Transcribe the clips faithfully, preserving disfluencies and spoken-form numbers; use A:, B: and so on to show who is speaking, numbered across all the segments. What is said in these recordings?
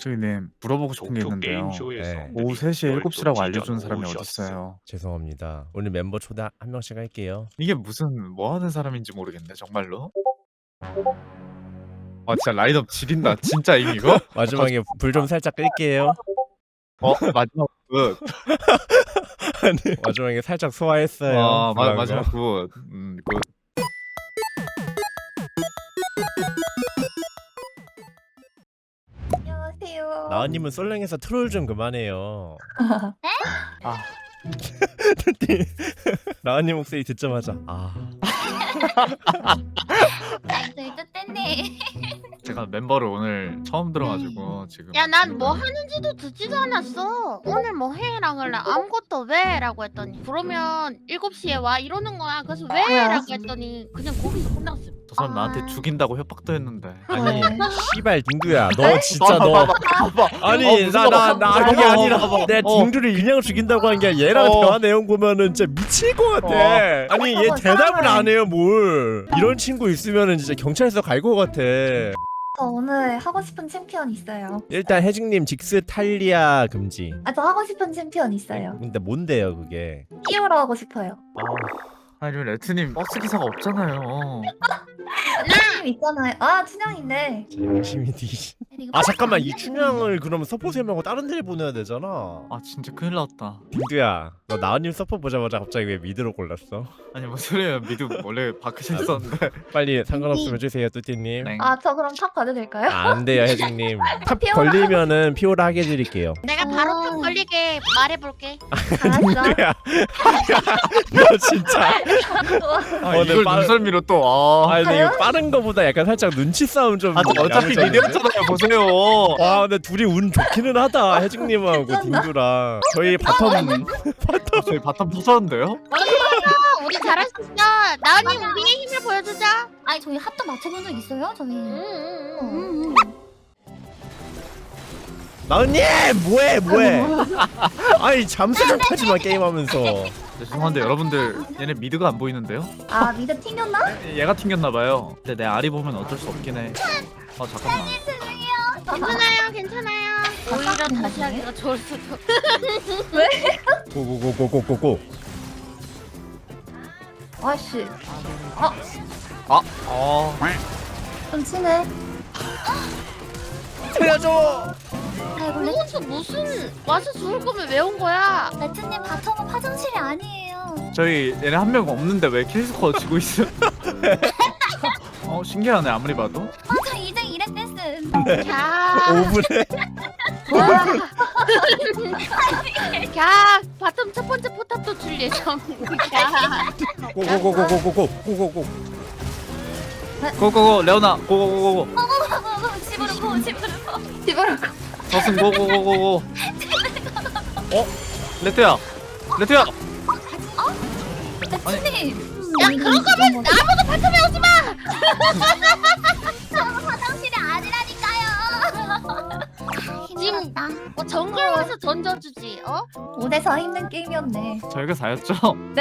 A: 저기 님 물어보고 싶은 게
B: 도쿄
A: 있는데요.
B: 게임쇼에서
C: 네.
A: 오후 세 시에 일곱 시라고
B: 열도
A: 알려주는
B: 찢어
A: 사람이
B: 놓으셨어.
A: 어딨어요.
C: 죄송합니다. 오늘 멤버 초대 한 명씩 할게요.
A: 이게 무슨 뭐 하는 사람인지 모르겠네 정말로. 아 진짜 라인업 지린다 진짜임 이거?
C: 마지막에 불 좀 살짝 끌게요.
A: 어 마지막 굿.
C: 아니, 마지막에 살짝 소화했어요.
A: 아 마,
C: 불난
A: 마지막
C: 거.
A: 굿. 음 굿.
D: 안녕하세요.
C: 나은님은 솔랭에서 트롤 좀 그만해요.
A: 아
C: 나은님 목소리 듣자마자 아
D: 나이들 뜻됐네.
A: 제가 멤버를 오늘 처음 들어가지고 지금.
E: 야, 난 뭐 하는지도 듣지도 않았어. 오늘 뭐 해랑 하래 아무것도 왜? 라고 했더니 그러면 일곱 시에 와 이러는 거야. 그래서 왜?
D: 뭐야?
E: 라고 했더니 그냥 거기서 끝났어.
A: 저 사람
D: 아.
A: 나한테 죽인다고 협박도 했는데.
C: 아니
D: 네.
C: 씨발 딩두야 너 진짜 너
A: 봐봐, 봐봐.
C: 아니
A: 어, 무슨
C: 나 나
A: 봐봐.
C: 나 그게
A: 봐봐,
C: 아니라
A: 봐봐.
C: 내
A: 어.
C: 딩두를 그냥 죽인다고 한 게 아니라 얘랑
A: 어.
C: 대화 내용 보면은 진짜 미칠 것 같아.
A: 어.
C: 아니 얘
D: 어머,
C: 대답을
D: 사람을.
C: 안 해요 뭘. 이런 친구 있으면은 진짜 경찰서 갈 것 같아.
D: 저 오늘 하고 싶은 챔피언 있어요.
C: 일단 혜직님 직스 탈리아 금지.
D: 아, 저 하고 싶은 챔피언 있어요.
C: 근데 뭔데요 그게?
D: 끼우러 하고 싶어요.
A: 아니 레트님 버스 기사가 없잖아요.
D: 춘향 있잖아요. 아, 춘향인데.
C: 자, 열심히 뒤. 아 잠깐만 이 춘향을 그러면 서포트 세 명하고 다른 데를 보내야 되잖아.
A: 아 진짜 큰일 났다.
C: 딩두야 너 나은님 서포트 보자마자 갑자기 왜 미드로 골랐어?
A: 아니 뭐 소리야 미드 원래 바크셔 있었는데.
C: 빨리 상관없으면 주세요 뚜띠님.
A: 네.
D: 아, 저 그럼 탑 가도 될까요?
C: 안 돼요 혜직님. 탑
D: 피오라.
C: 걸리면은 피오라 하게 해드릴게요.
E: 내가 바로
D: 어.
E: 탁 걸리게 말해볼게.
D: 알았어.
C: 야, 너 진짜.
A: 아,
C: 어, 네,
A: 이걸
C: 빠르-
A: 눈썰미로 또. 아,
C: 아 근데 이거 빠른 거보다 약간 살짝 눈치 싸움 좀.
A: 아 어차피
C: 야무졌네.
A: 미드였잖아요. 보세요.
C: 와 근데 둘이 운 좋기는 하다 혜직님하고
D: 괜찮나?
C: 딩두랑. 저희 바텀
A: 저희 바텀 터졌는데요?
E: 어, 우리 잘할 수 있어. 나은이 우리의 힘을 보여주자.
D: 아니, 저희 합도 맞춰본 적 있어요? 저희.
E: 응, 응, 응.
D: 음, 음.
C: 나은님 뭐해 뭐해. 아니 잠수 좀 타지 마 게임하면서.
A: 죄송한데 여러분들 얘네 미드가 안 보이는데요?
D: 아, 미드 튕겼나?
A: 얘가 튕겼나봐요. 근데 내 알이 보면 어쩔 수 없긴 해. 아 잠깐만.
E: 괜찮아요, 괜찮아요. 오히려 다시 하기가 좋을 수도.
C: 고고고고고고고.
D: 아씨.
A: 아, 어.
D: 좀 치네.
C: 살려줘.
D: 아이고, 레,
E: 이것도 무슨 와서 죽을 거면 왜 온 거야?
D: 레트님 바텀은 화장실이 아니에요.
A: 저희 얘네 한 명 없는데 왜 킬스코어 지고 있어? 어 신기하네 아무리 봐도.
D: 아, 저 이제 이랬 됐음.
E: 야,
C: 오 분에.
E: 야, 바텀 첫 번째 포탑도 줄 예정이야.
C: 고고고고고고고 고고고.
A: 고고고 레오나 고고고고고.
D: 집으로 고, 집으로 고. 집으로 고.
A: 저승 고고고고고. 어? 레트야. 레트야.
D: 레트님.
E: 야, 그런 거면 아무도 바텀에 오지 마.
D: 저 화장실이 아니라니까요.
E: 지금
D: 힘들었다.
E: 어, 정글 와서 던져주지, 어?
D: 오 대 사 힘든 게임이었네.
A: 저희가 사였죠?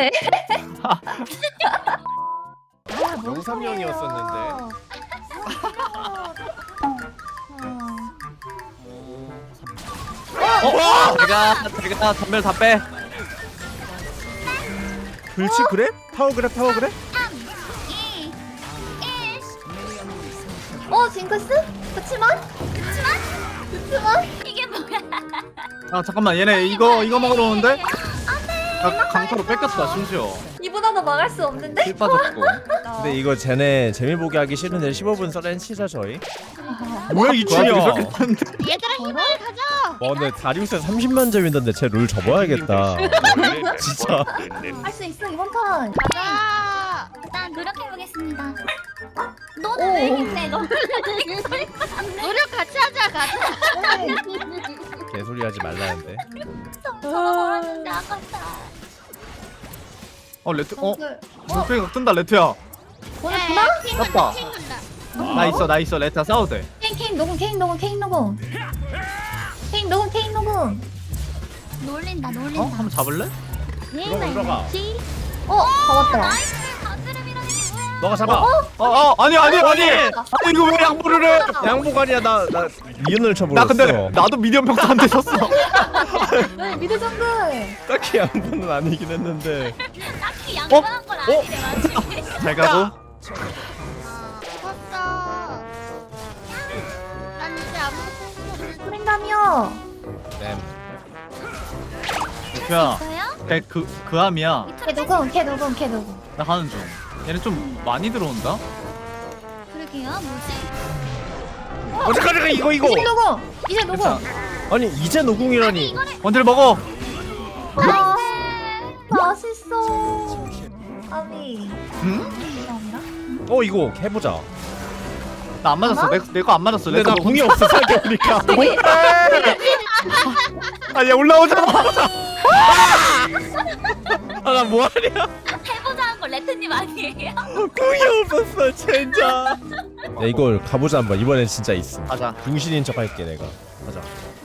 D: 아, 뭔
C: 영삼형이었었는데.
A: 어? 제가 제가 전멸 다 빼.
C: 불치 그래? 타워 그래 타워 그래?
D: 어, 징크스? 그치만? 그치만? 그치만? 이게 뭐야?
A: 아 잠깐만 얘네 이거 이거 먹으러 오는데? 아, 강타로 뺏겼다 심지어.
D: 이보다도 막을 수 없는데?
A: 힐 빠졌고.
C: 근데 이거 쟤네 재미 보기 하기 싫은데 십오 분 썰렌 치자 저희.
A: 뭐야 이 춘이야.
E: 얘들아 힘을 가져.
C: 와 근데 다리우스 삼십만 점이던데 쟤 룰 접어야겠다. 진짜.
D: 할 수 있어, 이번 판.
E: 가자.
D: 일단 노력해보겠습니다. 너는 왜 힘내, 너?
E: 노력 같이 하자, 가자.
C: 개소리 하지 말라는데.
D: 저거 아깝다.
A: 어 레트 어?
D: 그,
A: 물pe가 뜬다 레트야.
D: 오늘
E: 야,
D: 구나?
E: 야,
A: 떴다.
E: 팀 간다.
A: 나 있어 나 있어 레트야 싸워도 돼.
D: 케인, 케인 녹음, 케인 녹음, 케인 녹음. 케인 녹음, 케인 녹음. 놀린다,
A: 어?
D: 놀린다.
A: 한번 잡을래?
C: 들어가 들어가.
D: 어, 잡았다.
C: 너가 잡아.
A: 어, 어, 아니 아니 아니.
C: 아니.
A: 아니 이거 왜 양보를 해?
C: 양복 아니야. 나 나 리은을 쳐버렸어.
A: 나 근데 나도 미디엄 평타 안 되셨어.
D: 네, 미드 정글.
C: 딱히 양복은 아니긴 했는데.
E: 딱히 양보한 건 아니래 맞지?
A: 잘 가고.
E: 아 컸어. 난 이제 아무것도 없어.
D: 소린다며.
C: 램.
A: 야,
E: 있어요?
A: 그 그함이야.
D: 걔 누구? 걔 누구? 걔 누구?
A: 나 가는 중. 얘는 좀 많이 들어온다.
E: 그러게요 뭐지?
C: 어디까지 가 이거 이거.
D: 이제 누구? 이제 누구?
A: 괜찮아.
C: 아니 이제 노궁이라니.
A: 원딜 먹어.
D: 아, 맛있어. 아비.
A: 응?
D: 감사합니다.
C: 어 이거 해보자.
A: 나 안 맞았어. 내 거 안 맞았어.
C: 근데 나 궁이 없어 생각해보니까.
A: 아얘 올라오잖아.
C: 아나 뭐하냐?
E: 해보자 한 거 레트님 아니에요?
C: 궁이 없었어 진짜. 야 이걸 가보자 한번. 이번엔 진짜 있음.
A: 가자.
C: 중신인 척 할게 내가. 가자.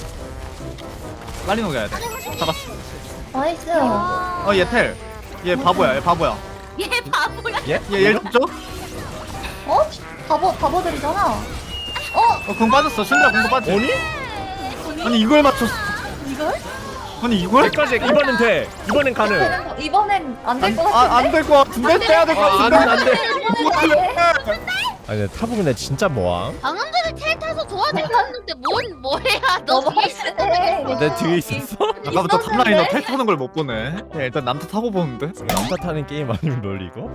A: 빨리 녹여야 돼. 잡았어.
D: 나이스.
A: 어 얘 텔. 얘 바보야. 얘 바보야.
E: 얘 바보야.
C: 예?
A: 얘얘 잡죠?
D: 어? 바보 바보들이잖아. 어?
A: 어궁 빠졌어. 신드라 궁도 빠지.
C: 아니?
A: 아니 이걸 맞췄어.
D: 이걸?
A: 아니 이걸?
C: 여기까지 이번엔 돼. 이번엔 가능.
D: 되는 거 이번엔 안 될 것 같은데.
A: 안안될것 같은데 빼야 될 것
C: 아, 안 돼,
A: 같은데.
C: 안 돼.
D: 이번엔 안 돼.
C: 아니 근데 타보 근데 진짜 뭐함?
E: 방금 전에 텔 타서 도와주고 왔는데 뭔 뭐야 너
D: 너무 빡세네.
C: 내 뒤에 있었어?
A: 아까부터
D: 있었는데?
A: 탑라이너 텔 타는 걸 못 보네. 그냥 일단 남타 타고 보는데.
C: 남자 타는 게임 아니면 롤 이거?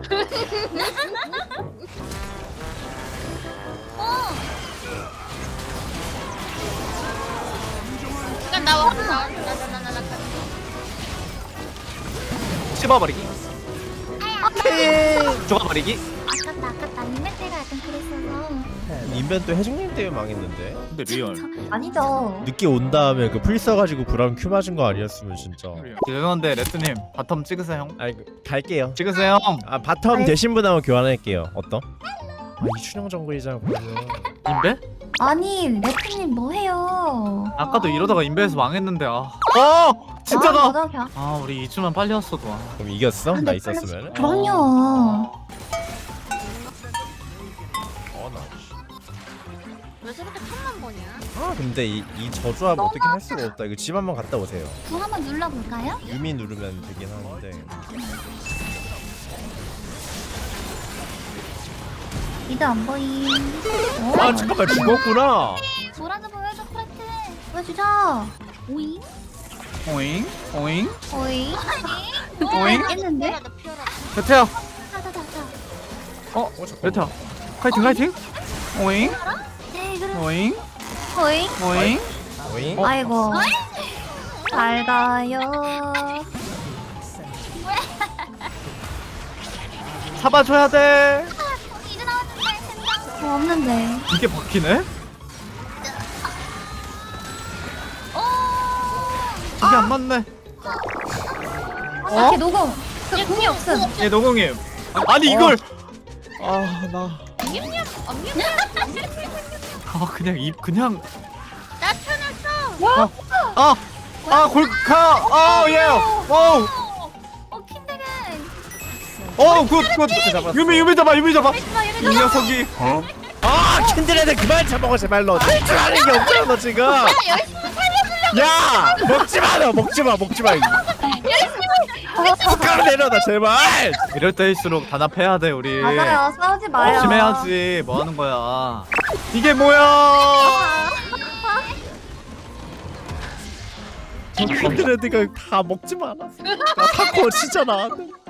E: 잠깐 나와 나나나나나
A: 씹어버리기. 죽어버리기.
E: 아깝다 아깝다 니메테가 약간 그랬어서
C: 인벤 또 해중님 때문에 망했는데.
A: 근데 리얼.
D: 아니죠.
C: 늦게 온 다음에 그 풀 써가지고 브라운 큐 맞은 거 아니었으면 진짜.
A: 죄송한데 레트님 바텀 찍으세요 형.
C: 아니 그, 갈게요.
A: 찍으세요.
C: 아 바텀
D: 네.
C: 되신 분 한번 교환할게요. 어떤? 아 이춘영 정글이잖아 그러면.
A: 인베?
D: 아니 레트님 뭐해요?
A: 아까도 이러다가 인베에서 망했는데 아. 어 진짜다.
D: 맞아, 그냥.
A: 아 우리 이주만 빨리 왔어도. 아.
C: 그럼 이겼어?
D: 근데
C: 나 있었으면?
D: 그럼요.
C: 어나.
E: 왜 저렇게 탐만 보냐?
C: 아 근데 이, 이 저조합 어떻게 할 수가 없다. 이거 집 한번 갔다 오세요.
E: 구 한번 눌러볼까요?
C: 유미 누르면 되긴 하는데.
D: 미드 안 보임.
C: 아 잠깐만 죽었구나.
E: 뭐라도 보여줘 프레트
D: 보여주자.
E: 오잉?
A: 오잉 오잉
D: 어이.
A: 오잉.
D: 했는데?
E: 피어라 피어라
A: 레트야.
E: 타타타타
A: 어 레트야. 카이팅 카이팅. 오잉
E: 네 그래
A: 오잉
D: 어이.
A: 오잉.
C: 오잉?
A: 어?
D: 아이고. 잘 가요.
A: 잡아줘야 돼.
E: 이제 나왔는데 생각
D: 어, 없는데.
A: 이게 바뀌네? 이게 안 맞네.
D: 아, 걔 녹음. 그 궁이 없음.
A: 얘 노공임. 아니 이걸.
C: 아나
E: 냠냠 엄냠
A: 아 그냥 입 그냥.
E: 나타났어
A: 아. 아 골카. 아 예. 오.
E: 어 킨데겐
A: 어, 굿, 굿.
C: 잡았어.
A: 유미, 유미 잡아, 유미 잡아.
E: 마 이래
A: 이 녀석이. 어?
C: 아 킨드레드 그만 잡아먹어 제발 너. 할 줄 아는 게 없잖아 너 지금.
E: 열심히 살려주려고
C: 야 먹지마 너 먹지마 먹지마. 숟가락 내려 나 제발.
A: 이럴 때일수록 단합해야 돼, 우리.
D: 맞아요. 싸우지 마요.
A: 조심해야지. 뭐 하는 거야? 이게 뭐야?
C: 킨드레드가 다 먹지마 않았어. 나 타코 진짜 나왔는데.